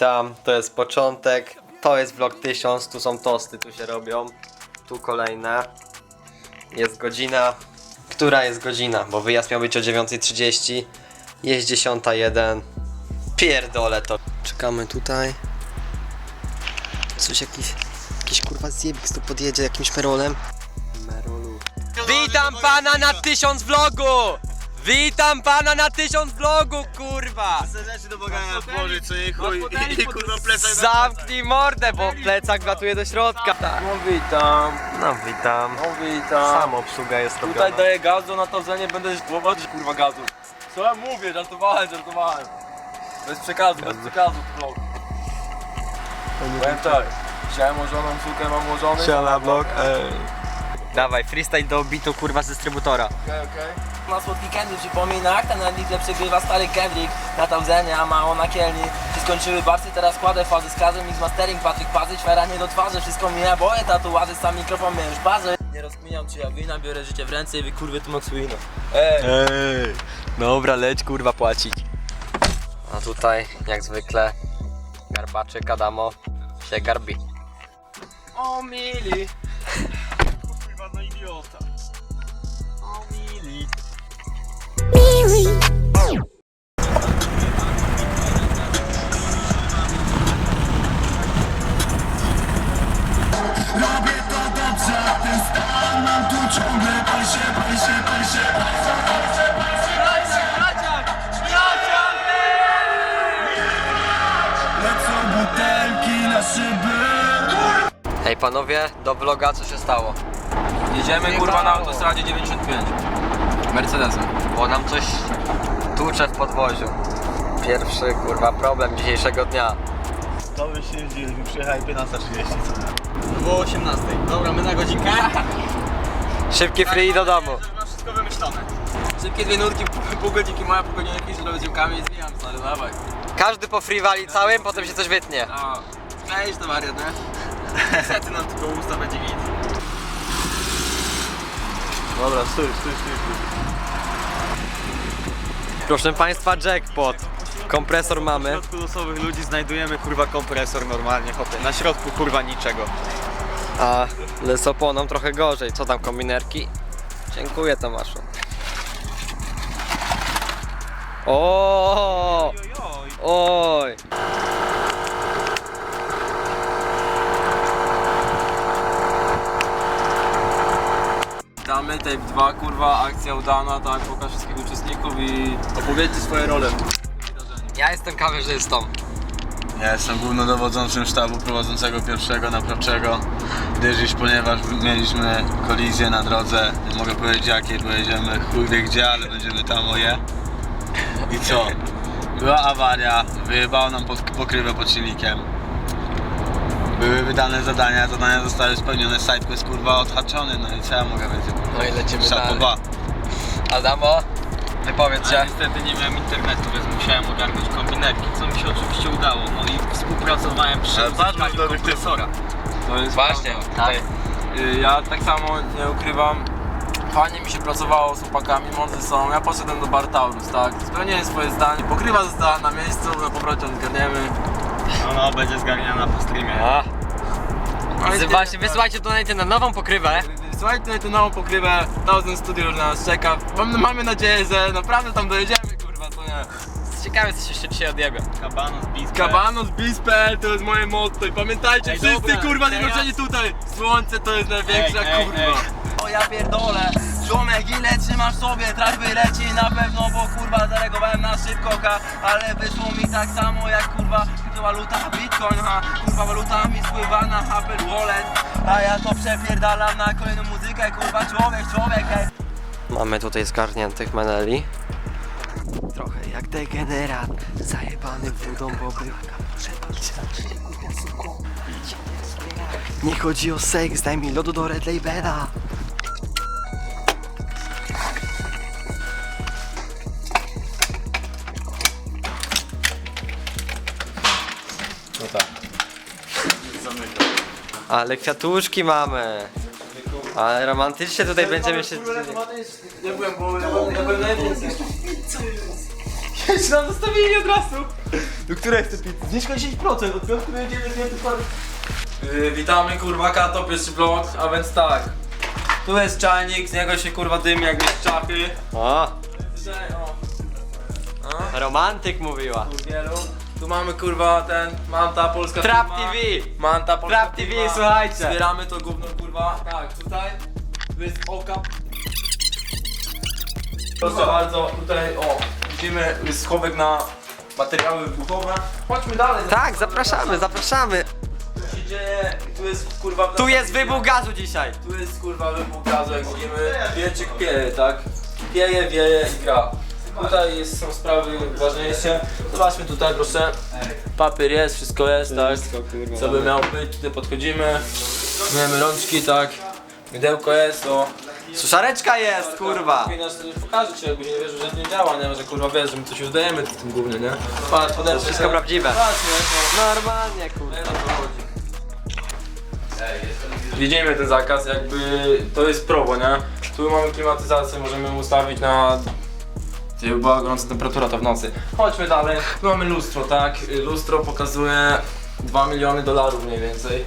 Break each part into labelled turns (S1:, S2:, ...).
S1: Witam, to jest początek. To jest vlog 1000, tu są tosty, tu się robią. Tu kolejne. Jest godzina. Która jest godzina? Bo wyjazd miał być o 9:30. Jest 10:01. Pierdolę to. Czekamy tutaj. Coś jakiś kurwa zjebik tu podjedzie jakimś merolem. Merolu. Witam pana na 1000 vlogu! Witam pana na 1000 vlogu, kurwa!
S2: Serdecznie do bogania włożyć, co jej chuj i kurwa plecak.
S1: Zamknij mordę, bo plecak latuje do środka. Tak.
S2: No witam.
S1: No witam.
S2: No witam.
S1: Sam obsługa jest robiona.
S2: Tutaj daję gazu, na tawzenie będę prowadzić kurwa gazu. Co ja mówię? Żartowałem. Bez przekazu vlog. Powiem tak. Chciałem ułożoną sukę, mam ułożony.
S1: Siala vlog, Dawaj, freestyle do bitu kurwa z dystrybutora.
S2: Okej.
S3: Ma słodki Kendrick przypomina, jak ten Endlicle przegrywa stary Kendrick na Taurzenie, a mało na Kielni. Się skończyły barsy, teraz kładę fazy z kazem, mix mastering, Patryk Pazy, szwera nie do twarzy, wszystko mija, boję tatuaży, sam mikrofon mnie już bazy. Nie rozkminiam czy ja wina, biorę życie w ręce i wy kurwy tu Maxwina.
S1: Ej, dobra, leć kurwa płacić. A tutaj, jak zwykle, garbaczyk Adamo się garbi.
S2: O mili. Kurwa no idiota. O mili.
S4: Robię to dobrze, a ten stan mam tu ciągle Pajsie lecą butelki na szyby.
S1: Hej panowie, do vloga co się stało?
S2: Jedziemy kurwa na autostradzie 95. Mercedesem.
S1: Bo nam coś tłucze w podwoziu. Pierwszy kurwa problem dzisiejszego dnia.
S5: To by się dzielił, przyjechali 15:30 co nie?
S2: Było 18. Dobra, my na godzinkę.
S1: Szybki free do domu.
S2: Masz wszystko wymyślone. Szybkie dwie nurki, pół godzinki moja, pół godzinki pisze do ziomkami i zwijam stary, dawaj.
S1: Każdy po free wali całym, potem się coś wytnie.
S2: A, skleisz to wariat, nie? Niestety nam tylko usta będzie git.
S5: Dobra, stój.
S1: Proszę państwa, jackpot. Kompresor
S5: W
S1: mamy.
S5: środku losowych ludzi znajdujemy kurwa kompresor normalnie, hopie. Na środku kurwa niczego.
S1: A z oponą trochę gorzej. Co tam, kombinerki? Dziękuję Tomaszu. O! Oj!
S2: Damy tape 2, kurwa, akcja udana, tak, pokaż wszystkich uczestników i opowiedzcie swoje role.
S1: Ja jestem kamerzystą.
S5: Ja jestem głównodowodzącym sztabu prowadzącego pierwszego naprawczego, gdyż ponieważ mieliśmy kolizję na drodze, nie mogę powiedzieć jakiej, bo jedziemy chuj wie gdzie, ale będziemy tam oje. I co? Była awaria, wyjebało nam pokrywę pod silnikiem. Były wydane zadania zostały spełnione, sidequest kurwa odhaczony, no i co ja mogę więcej powiedzieć?
S1: No i lecimy dalej.
S5: Szapoba.
S1: Adamo, wypowiedz się.
S2: Ja niestety nie miałem internetu, więc musiałem ogarnąć kombinerki, co mi się oczywiście udało. No i współpracowałem przy
S5: Ale bardzo
S2: uzyskaniu
S5: dobry
S2: kompresora. To jest
S1: Właśnie,
S2: prawda.
S1: tutaj.
S2: Ja tak samo nie ukrywam. Fajnie mi się pracowało z chłopakami, mądrzy są. Ja poszedłem do Bartaurus, tak? Spełniłem swoje zdanie. Pokrywa została na miejscu, na powrocie odgarniemy.
S5: No, będzie zgarniana po streamie.
S1: A.
S2: No i
S1: Właśnie, wysyłajcie donajcie na nową pokrywę.
S2: Słuchajcie, tutaj tę nową pokrywę, Thousand Studio już na nas czeka. Mamy nadzieję, że naprawdę tam dojedziemy, kurwa, co nie?
S1: Ciekawe co się dzisiaj odjebie.
S5: Kabanos, Bispe.
S2: Kabanos, Bispe, to jest moje motto i pamiętajcie
S5: Ej,
S2: wszyscy,
S5: dobra,
S2: kurwa,
S5: teraz-
S2: zjednoczeni tutaj! Słońce to jest największa, kurwa!
S3: O ja pierdolę, ziomek ile trzymasz sobie, trać wyleci na pewno, bo kurwa zareagowałem na szybko, ale wyszło mi tak samo jak kurwa kryptowaluta Bitcoin, kurwa waluta mi spływa na Apple Wallet, a ja to przepierdalam na kolejną muzykę, kurwa człowiek, hej.
S1: Mamy tutaj zgarniętych meneli. Trochę jak degenerat, zajebany wódą, bo był. Nie chodzi o seks, daj mi lodu do Red Labela.
S5: No tak.
S1: Ale kwiatuszki mamy. Ale romantycznie tutaj będziemy się...
S2: Nie byłem, bo ja byłem najwięcej. Jeszcze nam zostawili od razu. Do której chce pić? Zniżka 10%, od piątku będziemy witamy kurwa Kato, pierwszy vlog, a więc tak. Tu jest czajnik, z niego się kurwa dymi jakby z czachy.
S1: O,
S2: Tutaj,
S1: romantyk mówiła.
S2: wielu. Tu mamy kurwa ten Manta polska
S1: Trap
S2: firma.
S1: TV.
S2: Manta polska
S1: Trap TV,
S2: firma.
S1: słuchajcie.
S2: Zbieramy to gówno kurwa. Tak, tutaj. Tu jest oka. Proszę bardzo, tutaj widzimy jest schowek na materiały wybuchowe. Chodźmy dalej.
S1: Tak, zapraszamy, zapraszamy.
S2: Tu się dzieje, tu jest kurwa...
S1: Tu jest wybuch gazu dzisiaj.
S2: Tu jest kurwa wybuch gazu, jak widzimy. Wieczyk pieje, tak? Pieje, wieje i gra. Tutaj są sprawy ważniejsze. Zobaczmy tutaj proszę. Papier jest, wszystko jest, tak? Co by miało być, tutaj podchodzimy. Myjemy rączki, tak? Mydełko jest,
S1: Suszareczka jest, kurwa.
S2: Pokażę ci, jakbyś nie wierzył, że nie działa, nie? Że kurwa wiesz, że my coś udajemy w tym głównie, nie? Patrz,
S1: To wszystko prawdziwe.
S2: Patrz,
S1: Normalnie, kurwa.
S2: widzimy ten zakaz, jakby to jest probo, nie? Tu mamy klimatyzację, możemy ją ustawić na... Gdyby była gorąca temperatura, to w nocy. Chodźmy dalej. Tu mamy lustro, tak? Lustro pokazuje $2 miliony mniej więcej.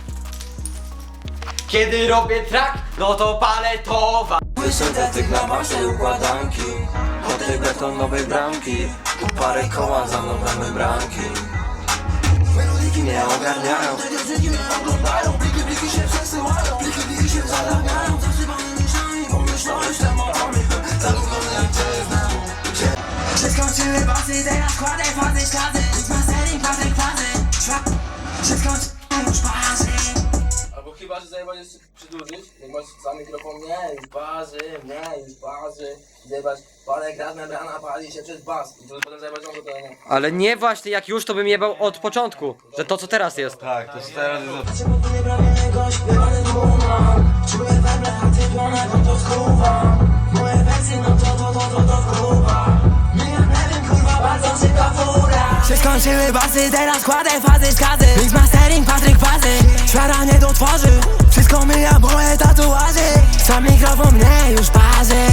S1: Kiedy robię track, no to paletowa.
S3: Syntetyk na wasze układanki. Od tej betonowej bramki. Tu parę koła za mną bramy bramki. Melodyki mnie ogarniają. Te mnie oglądają. Bliki się przesyłają. Bliki się zalawiają. Zasypane niszami. Pomyślałeś tematami. Zagubiony jak cię znam. Przeskoczyły basy, teraz kładę fazy ślady. Mastering, Patryk fazy. Przeskoczyły już pasy.
S2: Albo chyba, że zajebać jeszcze przedłużyć, jak masz za mikrofon, nie, już parzy, zajebać, parę krat membrana pali się przez bas i to potem zajebać to nie.
S1: Ale nie właśnie, jak już to bym jebał od początku. Że to co teraz jest.
S5: Tak, to jest teraz jest
S3: Czemu tu nie prawie śpiewany numer? Czuję weble, a ty dłonego to skuwa. Moje wersje, no to wkuwa. Nie wiem, kurwa, bardzo szybka fura. Się skończyły basy, teraz kładę fazy skazy. Mix mastering, Patryk fazy. Świara mnie do twarzy. Wszystko myja moje tatuaże. Sam mikrofon mnie już parzy.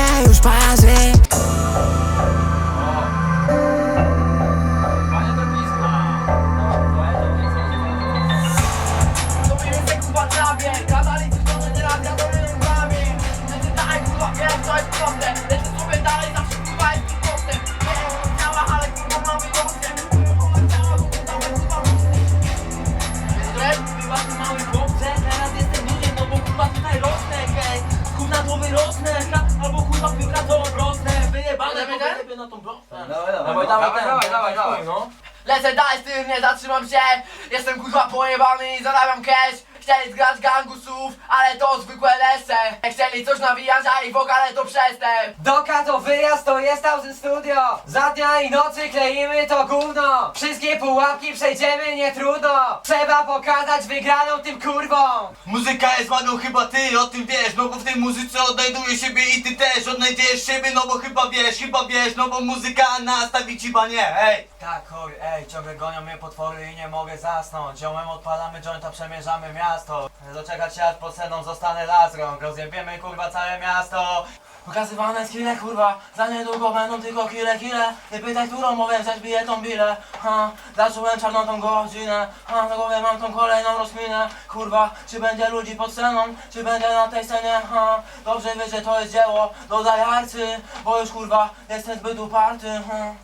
S2: Dawaj, no.
S3: Lecę dalej z tym, nie zatrzymam się. Jestem kurwa pojebany i zarabiam cash. Chcieli zgrać gangusów, ale to zwykłe leszcze. Chcieli coś nawijać, a ich wokale to przestęp.
S6: Doka to wyjazd, to jest Thousand Studio. Za dnia i nocy kleimy to gówno. Wszystkie pułapki przejdziemy, nie trudno. Trzeba pokazać wygraną tym kurwom.
S4: Muzyka jest ładną, chyba ty o tym wiesz. No bo w tej muzyce odnajduję siebie i ty też odnajdziesz siebie. No bo chyba wiesz, no bo muzyka nastawi ci banie, hej.
S6: Tak, chuj, ciągle gonią mnie potwory i nie mogę zasnąć. Ziomem odpalamy jointa, przemierzamy miasto. Doczekać się aż pod sceną zostanę lasrąg. Rozjebiemy kurwa całe miasto.
S3: Pokazywane skille kurwa, za niedługo będą tylko kile. Nie pytaj, którą mogę wziąć biletą bilę. Zacząłem czarną tą godzinę. Na głowie mam tą kolejną rozkminę. Kurwa, czy będzie ludzi pod sceną, czy będzie na tej scenie. Dobrze wiesz, że to jest dzieło, dodaj arcy, bo już kurwa jestem zbyt uparty.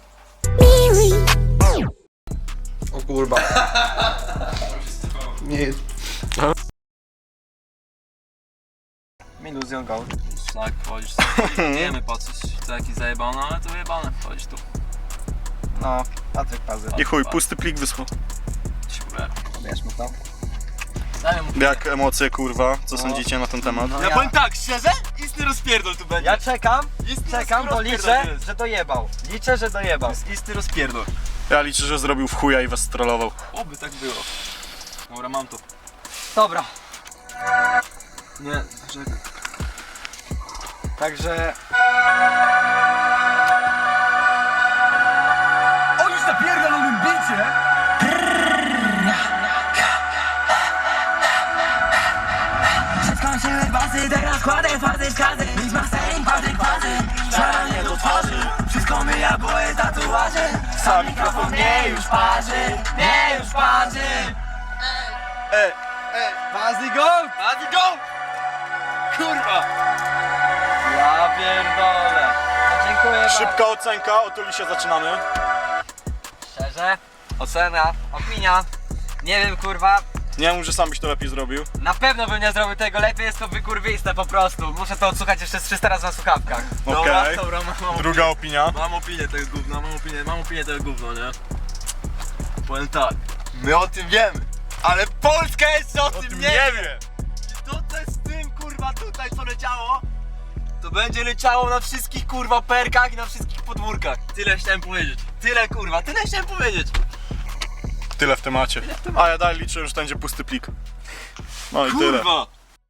S1: O kurwa. Nie. Illusion Gold.
S2: Tak, wchodzisz, wiemy patrzeć, to jakiś zajebany, ale to wyjebane, wchodzisz tu.
S1: No, Patryk Pazy.
S7: I chuj, pusty plik wysłał.
S2: Super.
S1: Bierzmy to.
S2: Dajmy mu
S7: Jak emocje, kurwa? Co sądzicie na ten temat?
S1: Ja
S5: Powiem tak, szczerze? Istny rozpierdol tu będzie.
S1: Ja czekam, bo liczę,
S5: rozpierdol jest.
S1: że dojebał. Liczę, że dojebał.
S5: Istny rozpierdol.
S7: Ja liczę, że zrobił w chuja i was strollował.
S2: Oby tak było. Dobra, mam to.
S1: Dobra,
S2: Nie, czekaj.
S1: także...
S4: O już napierdolonym bicie.
S3: Skończyły basy, teraz kładę fazy skazy. Mix mastering, Patryk fazy. Szaranie do twarzy. Wszystko myja, bo jest tatuaże. Sam mikrofon mnie już parzy, mnie już parzy.
S2: Bazy go! Bazy go! Kurwa!
S3: Ja pierdolę.
S6: Dziękuję bardzo.
S7: Szybka ocenka, o Tulisie zaczynamy.
S6: Szczerze, ocena, opinia. Nie wiem, kurwa,
S7: Nie mów, że sam byś to lepiej zrobił.
S6: na pewno bym nie zrobił tego lepiej, jest to wykurwiste po prostu. Muszę to odsłuchać jeszcze z 300 razy na słuchawkach.
S7: Okej.
S2: Dobra, mam
S7: Druga opinia.
S2: Mam opinię tego gówna, mam opinię tego gówna, nie? Powiem tak, my o tym wiemy, ale Polska jeszcze o tym nie wie! I to co jest z tym kurwa tutaj co leciało, to będzie leciało na wszystkich kurwa perkach i na wszystkich podwórkach. Tyle chciałem powiedzieć, tyle kurwa, tyle chciałem powiedzieć.
S7: Tyle w temacie. A ja dalej liczę, że to będzie pusty plik. No i tyle.
S2: Kurwa!